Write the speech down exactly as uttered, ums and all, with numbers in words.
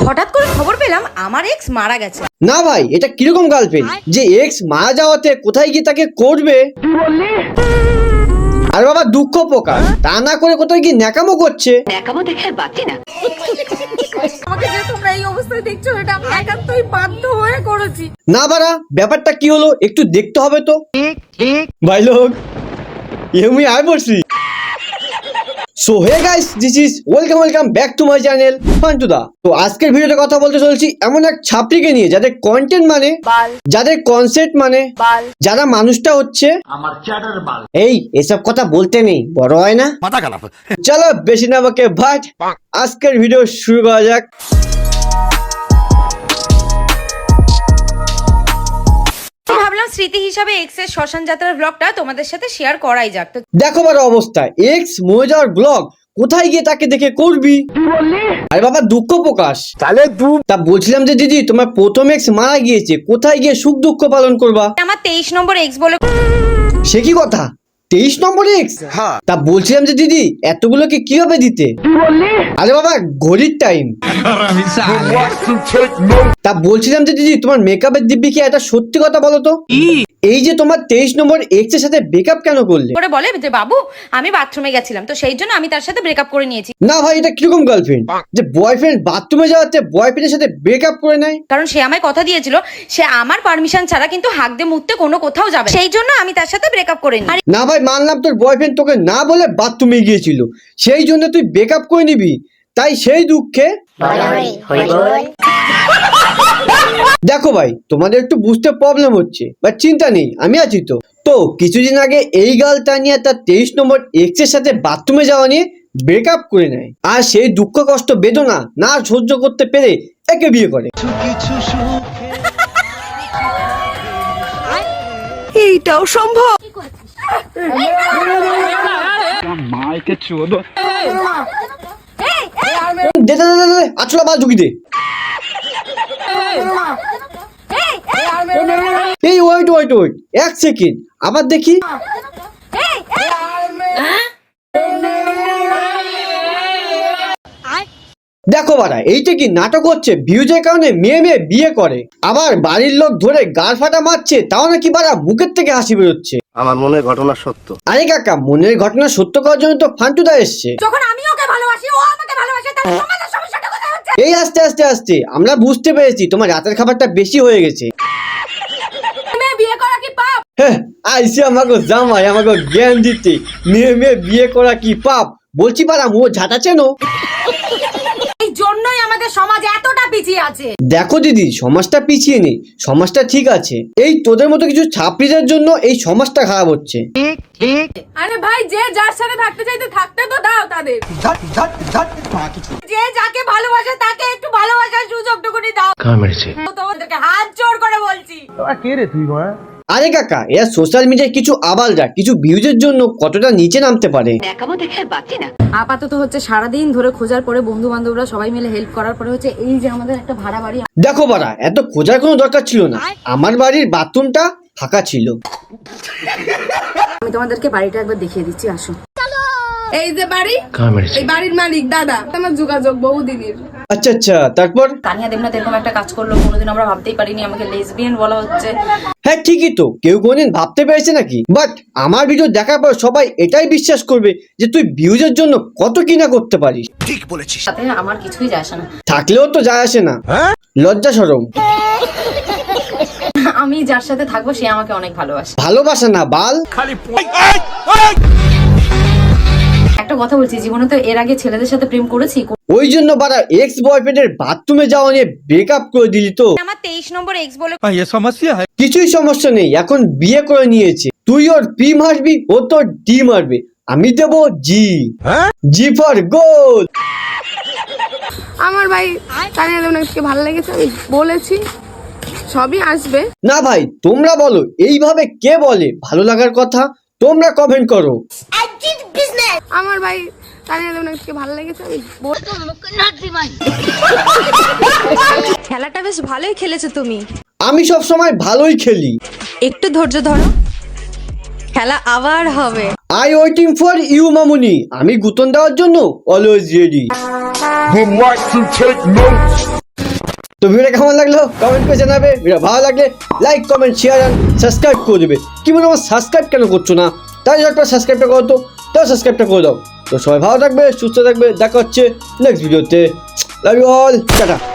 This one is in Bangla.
হঠাৎ করে খবর পেলাম আমার এক্স মারা গেছে। না ভাই, এটা কিরকম গার্লফ্রেন্ড যে এক্স মারা যাওয়াতে কোথায় গিয়ে তাকে করবে? আর বাবা দুঃখ প্রকাশ, তা না করে কোথায় গিয়ে ন্যাকামো করছে। ন্যাকামো দেখে আর বাঁচি না। আমাকে যে তোমরা এই অবস্থায় দেখছো, এটা আমি একান্তই বাধ্য হয়ে করেছি। না বাড়া, ব্যাপারটা কি হলো একটু দেখতে হবে তো। ভাই লোক আমি আর বলছি। So hey guys, this is welcome welcome back to my channel Fantuda. তো আজকের ভিডিওতে কথা বলতে চলছি এমন এক ছাত্রীকে নিয়ে যাদের কন্টেন্ট মানে বাল, যাদের কনসেপ্ট মানে বাল, যারা মানুষটা হচ্ছে আমার চ্যাটার বাল। এই এসব কথা বলতে নেই, বড় হয় না মাথা খারাপ। চলো বেশি না বকে ভাট, আজকের ভিডিও শুরু করা যাক। ভাবলাম স্মৃতি হিসাবে এক্স এর শ্মশান যাত্রার ব্লগটা তোমাদের সাথে শেয়ার করাই যাক। তো দেখো বড় অবস্থা, এক্স মরে যাওয়ার ব্লগ কোথায় গিয়ে তাকে দেখে করবি? আরে বাবা দুঃখ প্রকাশ। তাহলে তা বলছিলাম যে দিদি, তোমার প্রথম এক্স মারা গিয়েছে, কোথায় গিয়ে সুখ দুঃখ পালন করবা? আমার তেইশ নম্বর এক্স বলে। সে কি কথা, তেইশ নম্বর এক্স? তা বলছিলাম যে দিদি, এতগুলোকে কিভাবে দিতে? আরে বাবা ঘড়ির টাইম। তা বলছিলাম যে দিদি, তোমার মেকআপের দিব্যি কি এটা সত্যি কথা বলো তো, এই যে তোমার তেইশ নম্বর এক্স এর সাথে ব্রেকআপ কেন করলে? করে বলে যে বাবু আমি বাথরুমে গেছিলাম, তো সেই জন্য আমি তার সাথে ব্রেকআপ করে নিয়েছি। না ভাই, এটা কিরকম গার্লফ্রেন্ড যে বয়ফ্রেন্ড বাথরুমে যাওয়াতে বয়ফ্রেন্ডের সাথে ব্রেকআপ করে নেয়? কারণ সে আমায় কথা দিয়েছিল সে আমার পারমিশন ছাড়া কিন্তু হাঁক দিয়ে মুততে কোনো কোথাও যাবে, সেই জন্য আমি তার সাথে ব্রেকআপ করে নিই। না ভাই মানলাম তোর বয়ফ্রেন্ড তোকে না বলে বাথরুমে গিয়েছিল, সেই জন্য তুই ব্রেকআপ করে নিবি, তাই সেই দুঃখে। দেখো ভাই, তোমাদের একটু বুঝতে প্রবলেম হচ্ছে, বাট চিন্তা নেই, আমি আছি তো। তো কিছুদিন আগে এই গার্লটা নিয়ে তার তেইশ নম্বর এক্স এর সাথে বাথরুমে যাওয়া নিয়ে ব্রেকআপ করে নেয়, আর সেই দুঃখ কষ্ট বেদনা না সহ্য করতে পেরে একে বিয়ে করে। এইটাও সম্ভব? দে দে দে দে, আছলা বাল ঝুঁকি দে। এই ওয়েট ওয়েট ওয়েট এক সেকেন্ড, আবার দেখি। দেখো বাড়া, এইটা কি নাটক হচ্ছে? ভিউজের কারণে মেয়ে মেয়ে বিয়ে করে, আবার বাড়ির লোক ধরে গাল ফাটা মারছে, তাও নাকি বাড়া মুখের থেকে হাসি বেরোচ্ছে। আমার মনের ঘটনা সত্য। আরে কাকা, মনের ঘটনা সত্য করার জন্য তো ফান্টুদা এসছে। যখন আমি ওকে ভালোবাসি ও আমাকে ভালোবাসে, তাহলে তোমাদের সমস্যাটা কোথায় হচ্ছে? এই আস্তে আস্তে আস্তে আমরা বুঝতে পেরেছি তোমার রাতের খাবারটা বেশি হয়ে গেছে। মেয়ে বিয়ে করা কি পাপ? হ্যাঁ, আইসি আমাকে জামাই আমাকে জ্ঞান দিতে, মেয়ে মেয়ে বিয়ে করা কি পাপ? বলছি পারা মো ঝাঁটা চেনো? এই জন্যই আমাদের সমাজ এতটা পিছিয়ে আছে। দেখো দিদি, সমাজটা পিছিয়ে নেই, সমাজটা ঠিক আছে, এই তোদের মতো কিছু ছাত্রীদের জন্য এই সমাজটা খারাপ হচ্ছে। আরে ভাই, যে যার সাথে থাকতে চাইতে থাকতে তো দাও তাদের। যে যাকে ভালোবাসে তাকে একটু ভালোবাসার সুযোগটুকুনি দাও। তোমাদেরকে হাত জোড় করে বলছি। আরে কাকা, এরা সোশ্যাল মিডিয়ায় কিছু আবালরা কিছু ভিউজের জন্য কতটা নিচে নামতে পারে। আপাতত হচ্ছে সারাদিন ধরে খোঁজার পরে বন্ধু বান্ধবরা সবাই মিলে হেল্প করার পরে হচ্ছে এই যে আমাদের একটা ভাড়া বাড়ি। দেখো বাড়া, এত খোঁজার কোনো দরকার ছিল না, আমার বাড়ির বাথরুমটা ফাঁকা ছিল। আমি তোমাদেরকে বাড়িটা একবার দেখিয়ে দিচ্ছি, আসো। এই যে বাড়ি, এই বাড়ির মালিক দাদা, আমার যোগাযোগ বহুদিনের। আচ্ছা আচ্ছা, তারপর? কানিয়া দেবনাথ এরকম একটা কাজ করলো, কোনোদিন আমরা ভাবতেই পারিনি আমাকে লেসবিয়ান বলা হচ্ছে। হ্যাঁ ঠিকই তো, কেউ কোনদিন ভাবতে পেরেছে নাকি? বাট আমার ভিডিও দেখার পর সবাই এটাই বিশ্বাস করবে যে তুই ভিউজের জন্য কত কিনা করতে পারিস। ঠিক বলেছিস। সাথে আমার কিছুই যায় আসে না। থাকলেও তো যায় আসে না, লজ্জা শরম। আমি যার সাথে থাকবো সে আমাকে অনেক ভালোবাসে। ভালোবাসা না বাল। একটা কথা বলছি, জীবনে তো এর আগে ছেলেদের সাথে প্রেম করেছি। ওই জন্য বারা এক্স বয়ফ্রেন্ডের বাথরুমে যাওয়া নিয়ে ব্রেকআপ করে দিলি তো? আমার তেইশ নম্বর এক্স বলে কিছুই সমস্যা নেই, এখন বিয়ে করে নিয়েছে, তুই ওর পি মারবি, ও তোর ডি মারবে, আমি দেবো জি। জি ফর গোল। আমার ভাই কানিয়া দেবনাথকে ভালো লেগেছে, আমি বলেছি সবই আসবে। না ভাই, তোমরা বলো এইভাবে কে বলে ভালো লাগার কথা? তোমরা কমেন্ট করো। আমার ভাই কানিয়া দেবনাথকে ভালো লেগেছে, আমি খেলাটা বেশ ভালোই খেলেছো তুমি। আমি সব সময় ভালোই খেলি, একটু ধৈর্য ধরো, খেলা আবার হবে। আই ওয়েটিং ফর ইউ মামুনি, আমি গুতন দেওয়ার জন্য অলওয়েজ রেডি। তো ভিডিওটা কেমন লাগলো কমেন্ট করে জানাবে, ভিডিও ভালো লাগলে লাইক কমেন্ট শেয়ার আর সাবস্ক্রাইব করে দেবে। কি বলো আমার সাবস্ক্রাইব কেন করছো না? তাই একটা সাবস্ক্রাইবটা করো তো, তাও সাবস্ক্রাইবটা করে দাও। তো সবাই ভালো থাকবে, সুস্থ থাকবে, দেখা হচ্ছে নেক্সট ভিডিওতে। Love you all, tata.